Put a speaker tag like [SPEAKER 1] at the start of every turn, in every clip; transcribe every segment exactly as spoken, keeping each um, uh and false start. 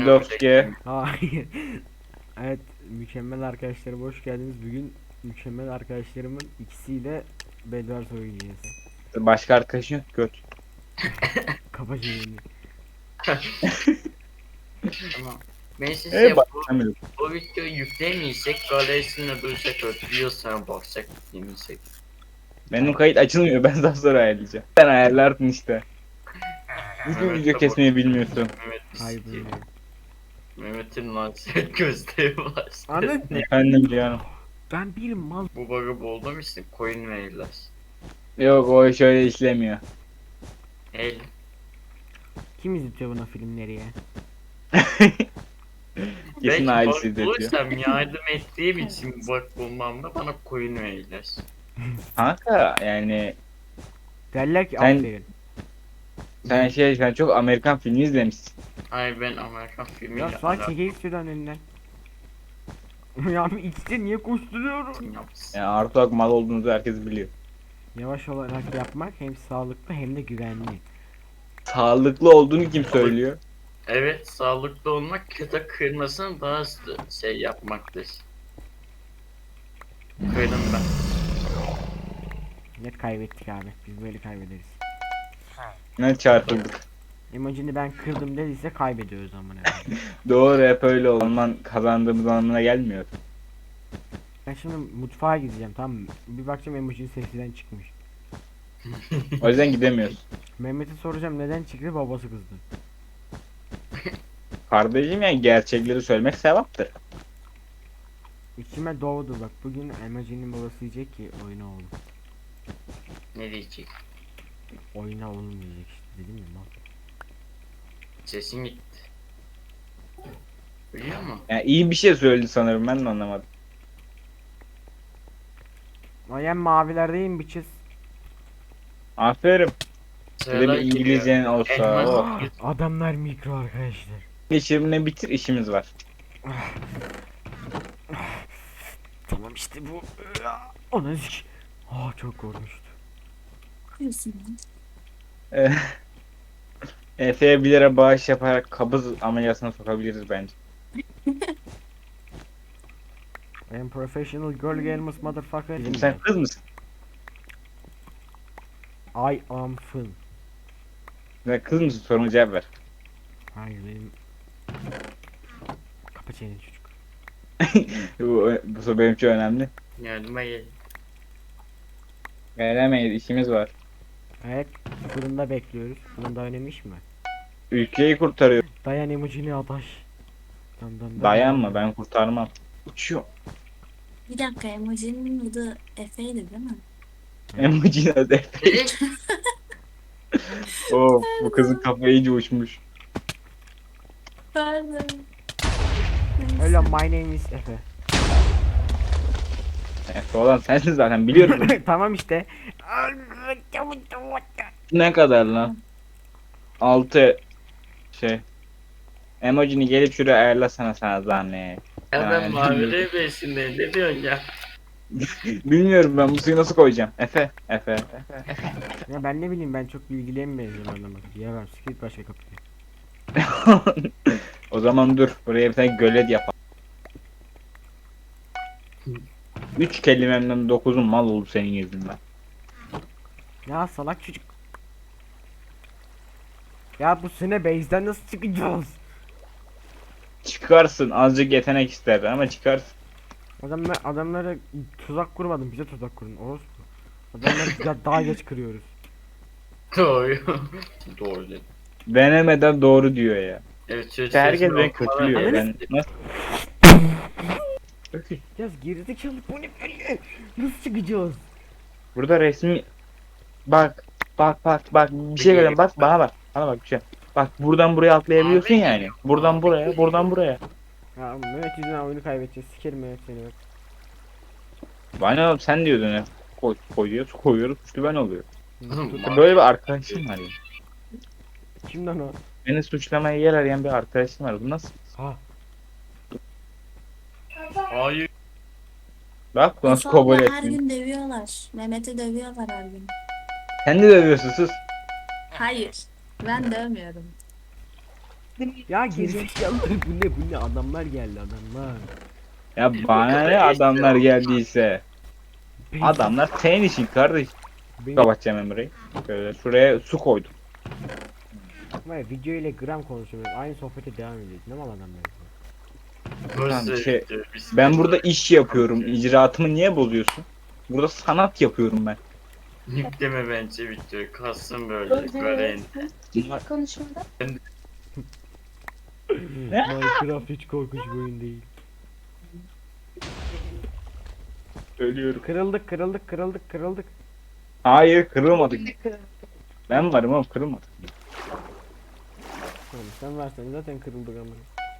[SPEAKER 1] Lebowski.
[SPEAKER 2] Hayır. Evet, mükemmel arkadaşlarım hoş geldiniz. Bugün mükemmel arkadaşlarımın ikisiyle Bedwars oynayacağız.
[SPEAKER 1] Başka arkadaşın yok göt.
[SPEAKER 2] Kapa çeneni.
[SPEAKER 3] Tamam. Ben
[SPEAKER 1] Ee
[SPEAKER 3] size bu,
[SPEAKER 1] başlamıyor.
[SPEAKER 3] bu videoyu yüklemeyecek, galerisine duracak, ötüyorsan bakacak, yemeyecek.
[SPEAKER 1] Benim kayıt açılmıyor. Ben daha sonra ayarlayacağım. Sen ayarlarsın işte. Bugün video kesmeyi bilmiyorsun.
[SPEAKER 3] Mehmet
[SPEAKER 2] Hayır
[SPEAKER 3] istiyor.
[SPEAKER 2] bilmiyorum.
[SPEAKER 3] Mehmet'in lansiyet gözleri var.
[SPEAKER 2] Anladın mı?
[SPEAKER 1] Efendim canım.
[SPEAKER 2] Ben bir mal.
[SPEAKER 3] Bu bug'ı buldum işte, coin verirler.
[SPEAKER 1] Yok o şöyle işlemiyor.
[SPEAKER 3] El.
[SPEAKER 2] Kim izletiyor buna filmleri ya?
[SPEAKER 1] Kesin
[SPEAKER 3] Belki
[SPEAKER 1] ailesi
[SPEAKER 3] bug
[SPEAKER 1] izletiyor.
[SPEAKER 3] bulursam yardım ettiğim için bug bulmamda bana coin verirler.
[SPEAKER 1] Kanka yani
[SPEAKER 2] Derler ki
[SPEAKER 1] Sen-
[SPEAKER 2] aferin.
[SPEAKER 1] sen şey sen çok Amerikan filmi izlemişsin.
[SPEAKER 3] Ay ben Amerikan filmiyle
[SPEAKER 2] Ya sağa çekeyim şuradan önünden. Ya abi ikisi niye koşturuyorum?
[SPEAKER 3] yapsın.
[SPEAKER 1] Yani artı olarak mal olduğunuzu herkes biliyor.
[SPEAKER 2] Yavaş olarak yapmak hem sağlıklı hem de güvenli.
[SPEAKER 1] Sağlıklı olduğunu kim söylüyor?
[SPEAKER 3] Evet, sağlıklı olmak kötü kırmasını daha hızlı şey yapmaktır. Kırdım ben.
[SPEAKER 2] Net kaybettik abi. Biz böyle kaybederiz.
[SPEAKER 1] Ne çarpıldık.
[SPEAKER 2] Emojini ben kırdım dediyse kaybediyoruz amına koyayım.
[SPEAKER 1] Doğru hep öyle oldu. Zaman kazandığımız anlamına gelmiyor.
[SPEAKER 2] Ben şimdi mutfağa gideceğim, tamam mı? Bir bakacağım emojinin sesinden çıkmış.
[SPEAKER 1] O yüzden gidemiyoruz.
[SPEAKER 2] Mehmet'e soracağım neden çıktı, babası kızdı.
[SPEAKER 1] Kardeşim yani gerçekleri söylemek sevaptır.
[SPEAKER 2] İçime doğdu bak, bugün emojinin babası diyecek ki oyna oğlum.
[SPEAKER 3] Ne diyecek?
[SPEAKER 2] Oyna oğlum diyecek işte, dedim ya mal.
[SPEAKER 3] Sesin gitti. Biliyor musun?
[SPEAKER 1] Yani iyi bir şey söyledi sanırım ben de anlamadım.
[SPEAKER 2] I am mavilerdeyim bitches.
[SPEAKER 1] Aferin. Bir de
[SPEAKER 3] Sıralar
[SPEAKER 1] bir
[SPEAKER 3] geliyor.
[SPEAKER 1] İngilizcen olsa.
[SPEAKER 3] Elmas-
[SPEAKER 1] Oh.
[SPEAKER 2] Adamlar mikro arkadaşlar.
[SPEAKER 1] Geçirimle bitir işimiz var.
[SPEAKER 2] Tamam işte bu. Ona sik. Ah çok korkmuştu.
[SPEAKER 1] Eh, Efe'ye bir lira bağış yaparak kabız ameliyatına sokabiliriz bence.
[SPEAKER 2] I am professional girl gamers motherfucker.
[SPEAKER 1] Şimdi sen kız mısın?
[SPEAKER 2] I am fun.
[SPEAKER 1] Sen kız mısın? Soruma cevap ver.
[SPEAKER 2] Hayır benim. Kapa çeneni çocuk.
[SPEAKER 1] bu, bu soru benim için önemli.
[SPEAKER 3] Yardıma gel.
[SPEAKER 1] Veremeyiz işimiz var.
[SPEAKER 2] Evet, fırında bekliyoruz. Fırında oynamış mı?
[SPEAKER 1] Ülkeyi kurtarıyor.
[SPEAKER 2] Dayan emojini adaş. Dam dam dam.
[SPEAKER 1] Dayanma ben kurtarmam. Uçuyor.
[SPEAKER 4] Bir dakika, emojinin adı Efe'ydi değil mi?
[SPEAKER 1] Emoji adı Efe.
[SPEAKER 3] E,
[SPEAKER 1] Oh, bu kızın kafayı iyice uçmuş.
[SPEAKER 4] Pardon.
[SPEAKER 2] Öyle my name is Efe.
[SPEAKER 1] Efe olan sensin zaten biliyorum.
[SPEAKER 2] Tamam işte.
[SPEAKER 1] Ne kadar lan? altı şey. Emojini gelip şuraya ayarlasana sana zahmet.
[SPEAKER 3] ya ben
[SPEAKER 1] Yani.
[SPEAKER 3] mavi besinde ne diyorsun ya?
[SPEAKER 1] Bilmiyorum ben bu suyu nasıl koyacağım. Efe, Efe, Efe.
[SPEAKER 2] Ya ben ne bileyim, ben çok bilgiliye mi benziyorum anlamadım. Diyemem, sikrit başka kapıyı.
[SPEAKER 1] O zaman dur. Buraya bir tane gölet yapalım. Üç kelimemden dokuzun mal oldu senin yüzünden.
[SPEAKER 2] Ya salak çocuk. Ya bu sene base'den nasıl çıkacağız?
[SPEAKER 1] Çıkarsın. Azıcık yetenek ister ama çıkarsın.
[SPEAKER 2] Adamlar, adamlara tuzak kurmadım, bize tuzak kurun. Orospu. Adamları da- daha geç kırıyoruz.
[SPEAKER 3] Doğru. Doğru dedim.
[SPEAKER 1] Denemeden doğru diyor ya.
[SPEAKER 3] Evet, söz
[SPEAKER 1] İşte herkes
[SPEAKER 3] sözünü
[SPEAKER 1] beni
[SPEAKER 3] okumadan
[SPEAKER 1] kötülüyor.
[SPEAKER 3] evet.
[SPEAKER 1] Ben nasıl? Öküz.
[SPEAKER 2] Ya gerizekalı, bu ne böyle? Nasıl çıkacağız?
[SPEAKER 1] Burada resmi bak bak bak bak bir şey görüyorum bak bana bak bana bak bir şey. Bak buradan buraya atlayabiliyorsun
[SPEAKER 3] Abi,
[SPEAKER 1] yani. Buradan
[SPEAKER 3] abi.
[SPEAKER 1] buraya buradan buraya.
[SPEAKER 2] Ya Mehmet yüzünden oyunu kaybedeceğiz. Sikerim Mehmet seni bak.
[SPEAKER 1] Bana oğlum sen diyordun ya. Koy, koyuyoruz koyuyoruz suçlu ben oluyor.
[SPEAKER 3] Oğlum,
[SPEAKER 1] İşte böyle bir arkadaşım var ya.
[SPEAKER 2] Kimden o?
[SPEAKER 1] Beni suçlamaya yer arayan bir arkadaşım var. Bu nasıl?
[SPEAKER 2] Ha.
[SPEAKER 3] Hayır.
[SPEAKER 1] Bak bu nasıl
[SPEAKER 4] Efe'yle
[SPEAKER 1] kabul
[SPEAKER 4] her
[SPEAKER 1] etmiyor.
[SPEAKER 4] gün dövüyorlar. Mehmet'i dövüyorlar her gün.
[SPEAKER 1] Sen de dövüyorsun sus.
[SPEAKER 4] Hayır. Ben dövmüyorum.
[SPEAKER 2] Ya gerizekalılar bu ne bu ne adamlar geldi adamlar.
[SPEAKER 1] Ya bana ne adamlar geldiyse.
[SPEAKER 2] Benim-
[SPEAKER 1] Adamlar senin için kardeş.
[SPEAKER 2] benim-
[SPEAKER 1] Kapatacağım Emre'yi. Şöyle şuraya su koydum.
[SPEAKER 2] Var ya, video ile gram konuşuyoruz. Aynı sohbete devam ediyoruz. Ne mal adamlar.
[SPEAKER 3] Burası
[SPEAKER 1] şey,
[SPEAKER 3] biz-
[SPEAKER 1] Ben burada iş yapıyorum. İcraatımı niye bozuyorsun? Burada sanat yapıyorum ben.
[SPEAKER 3] Yükleme bence videoyu. Kalsın böyle. Göreyin.
[SPEAKER 4] Konuşmada.
[SPEAKER 2] Minecraft hiç korkunç bir oyun değil.
[SPEAKER 1] Ölüyorum.
[SPEAKER 2] Kırıldık kırıldık kırıldık kırıldık.
[SPEAKER 1] Hayır kırılmadık. Ben varım oğlum kırılmadık.
[SPEAKER 2] Oğlum sen versen zaten kırıldık ama.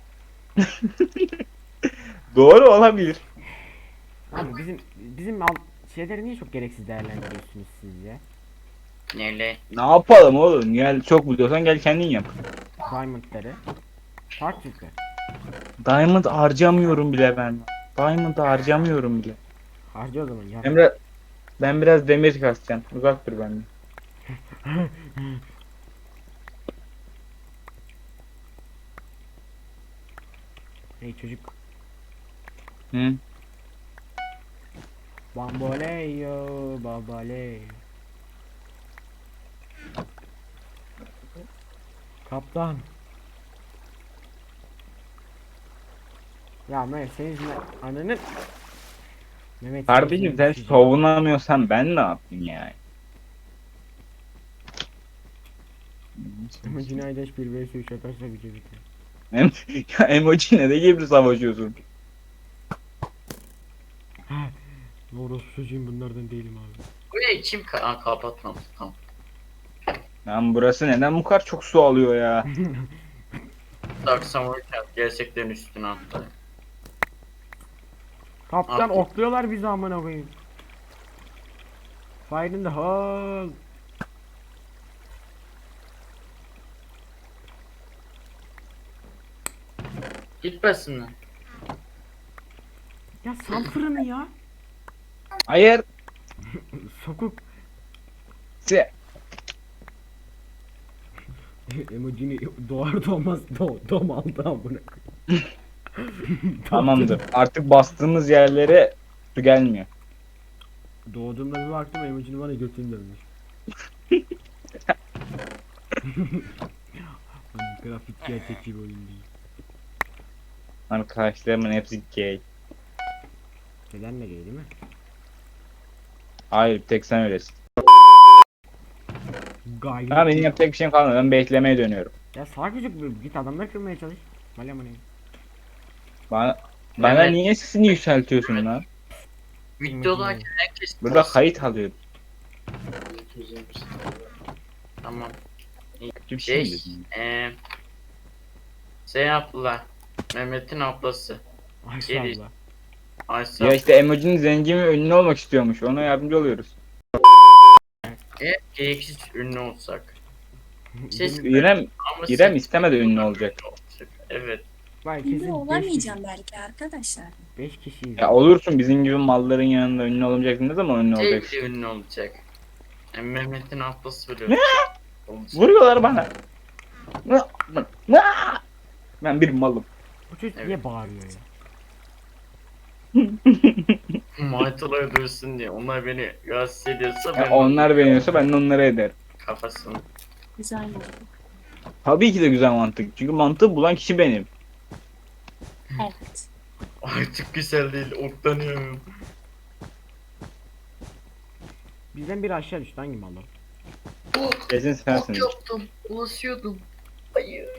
[SPEAKER 1] Doğru olabilir.
[SPEAKER 2] Abi bizim bizim al şeyleri niye çok gereksiz değerlendiriyorsunuz siz ya?
[SPEAKER 3] Neyle?
[SPEAKER 1] Ne yapalım oğlum? Gel çok biliyorsan gel kendin yap.
[SPEAKER 2] Diamondları. Parçacıklar.
[SPEAKER 1] Diamond harcamıyorum bile ben. Diamond harcamıyorum bile.
[SPEAKER 2] Harca o zaman ya.
[SPEAKER 1] Emre ben biraz demir kasacağım. Uzak dur benden.
[SPEAKER 2] Hey çocuk.
[SPEAKER 1] Hı?
[SPEAKER 2] Bamboleyo babale. Kaptan. Ya Mehmet senin yüzünden ananın Mehmet senin
[SPEAKER 1] Kardeşim
[SPEAKER 2] yüzünden
[SPEAKER 1] sen
[SPEAKER 2] düşeceğim.
[SPEAKER 1] savunamıyorsan ben ne yapayım yani?
[SPEAKER 2] Ama Cinaydaş bir vs üç atarsa video bitiyor.
[SPEAKER 1] Em ya emoji ne de gibi savaşıyorsun?
[SPEAKER 2] Doğru çocuğum bunlardan değilim abi.
[SPEAKER 3] Burayı kim ka Aa, kapatmam. Tamam.
[SPEAKER 1] Lan burası neden bu kadar çok su alıyor ya?
[SPEAKER 3] Dark Samurai Camp gerçekten üstüne attı.
[SPEAKER 2] Kaptan
[SPEAKER 3] Abi.
[SPEAKER 2] okluyorlar bizi amına koyayım. Fire in the hole.
[SPEAKER 3] Gitmesin lan.
[SPEAKER 2] Ya sal fırını ya.
[SPEAKER 1] Hayır.
[SPEAKER 2] Sokuk.
[SPEAKER 1] Se
[SPEAKER 2] Emojini doğar doğmaz do dom aldı amına koyayım.
[SPEAKER 1] Tamamdır. Artık bastığımız yerlere su gelmiyor.
[SPEAKER 2] Doğduğumda bir baktım emojini bana götünü dönmüş. Hani grafik gerçekçi bir oyun değil.
[SPEAKER 1] Arkadaşlarımın hepsi gay.
[SPEAKER 2] Neden de gay değil mi?
[SPEAKER 1] Hayır bir tek sen öylesin.
[SPEAKER 2] Gay.
[SPEAKER 1] Ha benim yapacak bir şeyim kalmadı. Ben beklemeye dönüyorum.
[SPEAKER 2] Ya salak çocuk bir- git adamları kırmaya çalış. Vale amına.
[SPEAKER 1] Bana, bana
[SPEAKER 3] Evet.
[SPEAKER 1] niye sesini yükseltiyorsun lan?
[SPEAKER 3] Videodayken herkes
[SPEAKER 1] Burada kayıt alıyoruz.
[SPEAKER 3] Tamam.
[SPEAKER 1] Bir
[SPEAKER 3] Şey,
[SPEAKER 1] şey dedim.
[SPEAKER 3] eee şey abla, Mehmet'in ablası.
[SPEAKER 2] Ayşe
[SPEAKER 3] Geri-
[SPEAKER 2] abla.
[SPEAKER 3] Ayşe
[SPEAKER 1] Ya işte emojinin zengin ve ünlü olmak istiyormuş. Ona yardımcı oluyoruz.
[SPEAKER 3] e, gereksiz ünlü olsak. Siz
[SPEAKER 2] Benim-
[SPEAKER 1] İrem,
[SPEAKER 3] ama
[SPEAKER 1] İrem
[SPEAKER 3] siz-
[SPEAKER 1] istemedi ünlü olacak.
[SPEAKER 3] Evet.
[SPEAKER 2] Vay
[SPEAKER 4] Ünlü
[SPEAKER 2] kesin beş
[SPEAKER 4] olamayacağım belki arkadaşlar.
[SPEAKER 2] kişi, beş kişiyiz.
[SPEAKER 1] Ya olursun bizim gibi malların yanında ünlü olmayacaksın. Ne zaman ünlü
[SPEAKER 3] Şey
[SPEAKER 1] olacaksın?
[SPEAKER 3] bile ünlü olacak. Yani Mehmet'in ablası bile olacak.
[SPEAKER 1] Vuruyorlar bana. Ben bir malım.
[SPEAKER 2] Bu çocuk
[SPEAKER 3] Evet.
[SPEAKER 2] niye bağırıyor ya?
[SPEAKER 3] Maytalar dövsün diye. Onlar beni rahatsız ediyorsa ben
[SPEAKER 1] Ya onlar beğeniyorsa ben de onları ederim.
[SPEAKER 3] kafasını.
[SPEAKER 4] Güzel oldu.
[SPEAKER 1] Tabii ki de güzel mantık. Çünkü mantığı bulan kişi benim.
[SPEAKER 4] Evet.
[SPEAKER 3] Artık güzel değil, oklanıyorum.
[SPEAKER 2] Bizden biri aşağı düştü hangi mal o?
[SPEAKER 1] Kesin sensin.
[SPEAKER 3] Ok yaptım, ulaşıyordum. Hayır.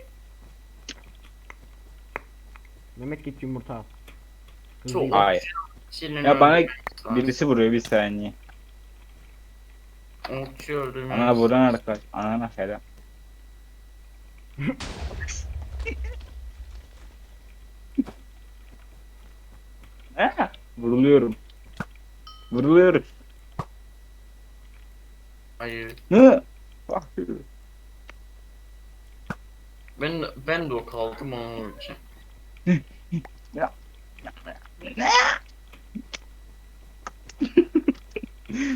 [SPEAKER 2] Mehmet git yumurta al. Hızlı
[SPEAKER 3] Çok
[SPEAKER 2] git.
[SPEAKER 1] Hayır.
[SPEAKER 3] Çilin
[SPEAKER 1] Ya bana
[SPEAKER 3] öldürmek
[SPEAKER 1] birisi vuruyor bir saniye.
[SPEAKER 3] lazım. Okçu öldürmek
[SPEAKER 1] Ana vuran arkadaş. Anana selam. Ha, vuruluyorum. Vuruluyoruz.
[SPEAKER 3] Hayır.
[SPEAKER 1] Hı. Bak.
[SPEAKER 3] Ben ben de o kaldım onun için.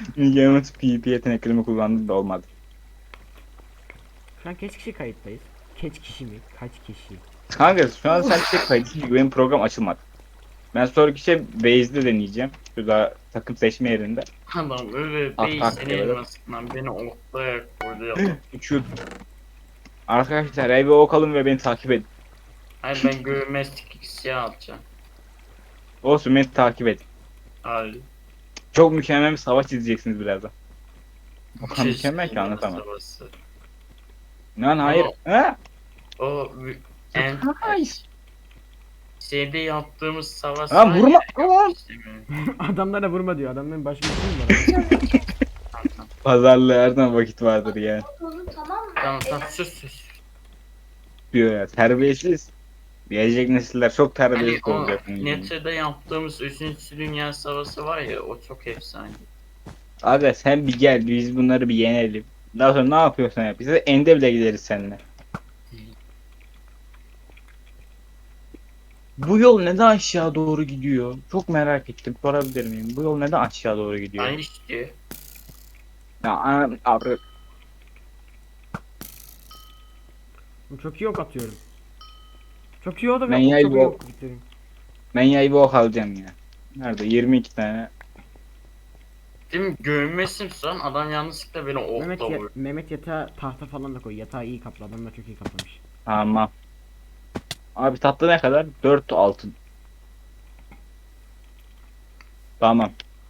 [SPEAKER 1] Yalnız P V P yeteneklerimi kullandım da olmadı.
[SPEAKER 2] Şu an kaç kişi kayıttayız? Kaç kişi mi? Kaç kişi?
[SPEAKER 1] Kanka şu an sen tek kayıt çünkü benim program açılmadı. Ben sonraki şey base'de deneyeceğim. Şurada takım seçme yerinde.
[SPEAKER 3] Adam öyle
[SPEAKER 1] Ah,
[SPEAKER 3] bey
[SPEAKER 1] ah,
[SPEAKER 3] senin
[SPEAKER 1] evet.
[SPEAKER 3] elmasından beni ortaya koydu ya.
[SPEAKER 1] Uçuyordum. Arkadaşlar eve ok alın ve beni takip edin.
[SPEAKER 3] Hayır ben görmezlik ikisi alacağım.
[SPEAKER 1] Olsun beni takip edin.
[SPEAKER 3] Hayır.
[SPEAKER 1] Çok mükemmel bir savaş izleyeceksiniz birazdan. O kadar
[SPEAKER 3] Keşke
[SPEAKER 1] mükemmel ki anlatamam.
[SPEAKER 3] savaşı.
[SPEAKER 1] Lan hayır. Ha?
[SPEAKER 3] O vü- en
[SPEAKER 1] Hayır.
[SPEAKER 3] şeyde yaptığımız savaş
[SPEAKER 1] Lan
[SPEAKER 3] var
[SPEAKER 1] vurma.
[SPEAKER 3] ya,
[SPEAKER 1] Lan.
[SPEAKER 3] istemiyorum.
[SPEAKER 2] Adamlara vurma diyor. Adamların başka bir şey mi var?
[SPEAKER 3] Tamam,
[SPEAKER 1] Pazarlığı her zaman vakit vardır yani.
[SPEAKER 3] tamam tamam sus sus.
[SPEAKER 1] Diyor ya terbiyesiz. Gelecek nesiller çok
[SPEAKER 3] Hani
[SPEAKER 1] terbiyesiz
[SPEAKER 3] o
[SPEAKER 1] olacak. bunun gibi.
[SPEAKER 3] Nete'de yaptığımız üçüncü Dünya Savaşı var ya o çok efsane.
[SPEAKER 1] Aga sen bir gel biz bunları bir yenelim. Daha sonra ne yapıyorsan yap. Biz de ende bile gideriz seninle. Bu yol neden aşağı doğru gidiyor? Çok merak ettim. Sorabilir miyim? Bu yol neden aşağı doğru gidiyor?
[SPEAKER 3] Aynı işte.
[SPEAKER 1] Ya anam abra.
[SPEAKER 2] Çok iyi ok atıyorum. Çok iyi oldu
[SPEAKER 1] Ben
[SPEAKER 2] ve
[SPEAKER 1] yay
[SPEAKER 2] çok iyi
[SPEAKER 1] bu-
[SPEAKER 2] ok bitirdim.
[SPEAKER 1] Ben yayı bir ok alacağım ya. Nerede? yirmi iki tane.
[SPEAKER 3] Değil mi? Görmesin son adam yanlışlıkla beni
[SPEAKER 2] Mehmet,
[SPEAKER 3] okla
[SPEAKER 2] ya-
[SPEAKER 3] vurdu.
[SPEAKER 2] Mehmet yatağa tahta falan da koy. Yatağı iyi kaplı. Adamlar çok iyi kaplamış.
[SPEAKER 1] Tamam. Abi tatlı ne kadar? dört altın. Tamam.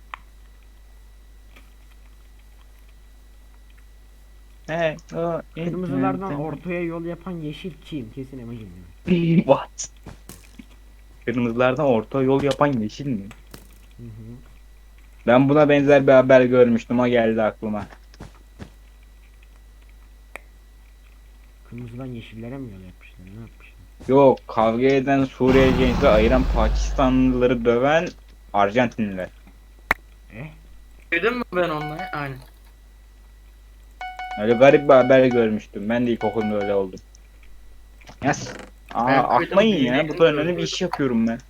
[SPEAKER 1] He, o,
[SPEAKER 2] Kırmızılardan ortaya yol yapan yeşil kim? Kesin emojim.
[SPEAKER 1] What? Kırmızılardan orta yol yapan yeşil mi?
[SPEAKER 2] Hı hı.
[SPEAKER 1] Ben buna benzer bir haber görmüştüm. O geldi aklıma.
[SPEAKER 2] Kırmızıdan yeşillere mi yol yapmışlar? Ne yapmışlar?
[SPEAKER 1] Yok, kavga eden Suriye gençleri ayıran Pakistanlıları döven Arjantinliler.
[SPEAKER 2] Eh?
[SPEAKER 3] Duydun mu ben onları? Aynen.
[SPEAKER 1] Öyle garip bir haber görmüştüm. Ben de ilkokulda öyle oldum. Yes. Aa,
[SPEAKER 3] Ben
[SPEAKER 1] atmayın
[SPEAKER 3] duydum,
[SPEAKER 1] ya. Bu
[SPEAKER 3] duydum,
[SPEAKER 1] kadar önemli bir
[SPEAKER 3] duydum.
[SPEAKER 1] iş yapıyorum ben.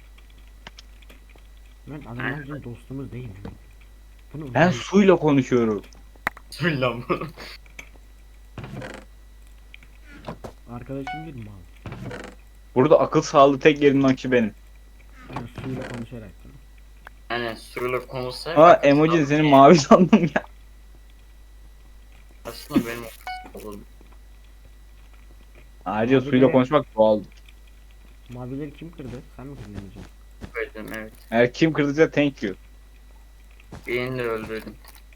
[SPEAKER 2] Mehmet adamlar bizim dostumuz değil mi? Bunu
[SPEAKER 1] Ben suyla konuşuyorum.
[SPEAKER 3] Söyle lan bunu.
[SPEAKER 2] arkadaşım bir mal.
[SPEAKER 1] Burada akıl sağlığı tek yerin kişi benim.
[SPEAKER 2] Yani suyla konuşarak. değil mi?
[SPEAKER 3] Hani suyla konuşsak.
[SPEAKER 1] Aa emojin senin mavi sandım ya.
[SPEAKER 3] Aslında benim oğlum.
[SPEAKER 1] Ayrıca
[SPEAKER 2] Abi
[SPEAKER 1] suyla
[SPEAKER 2] de-
[SPEAKER 1] konuşmak doğal.
[SPEAKER 2] Mavileri kim kırdı? Sen mi kırdın emojim?
[SPEAKER 3] Öldüm evet.
[SPEAKER 1] Eğer kim kırdıysa thank you.
[SPEAKER 3] Birini de öldürdüm.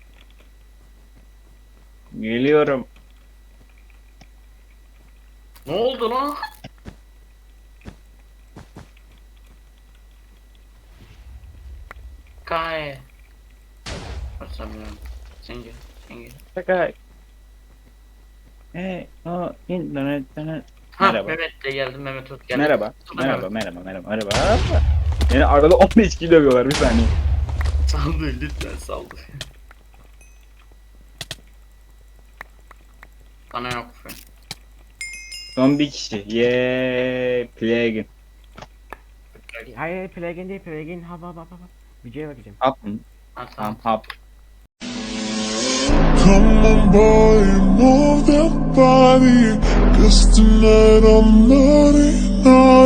[SPEAKER 1] Geliyorum.
[SPEAKER 3] Ne oldu lan? Kay. Basamıyorum. Sen gel. Sen gel.
[SPEAKER 1] Şaka. Hey, o internetten.
[SPEAKER 3] Ha
[SPEAKER 1] Merhaba.
[SPEAKER 3] Mehmet de geldi. Mehmet Ot geldi.
[SPEAKER 1] Merhaba.
[SPEAKER 3] Tutun
[SPEAKER 1] Merhaba,
[SPEAKER 3] Mehmet.
[SPEAKER 1] merhaba, merhaba, merhaba. Beni arada on beş kilo dövüyorlar bir saniye.
[SPEAKER 3] Saldı lütfen saldı. Bana yok.
[SPEAKER 1] Son bir kişi. Yeee. Plague.
[SPEAKER 2] Hayır hayır plugin değil plugin. Ha ha ha ha. Videoya bakacağım.
[SPEAKER 1] Hap mı?
[SPEAKER 3] Ha
[SPEAKER 1] Tamam
[SPEAKER 3] tamam.
[SPEAKER 1] hap.
[SPEAKER 5] Come on, boy, move that body. Cause tonight I'm naughty, naughty.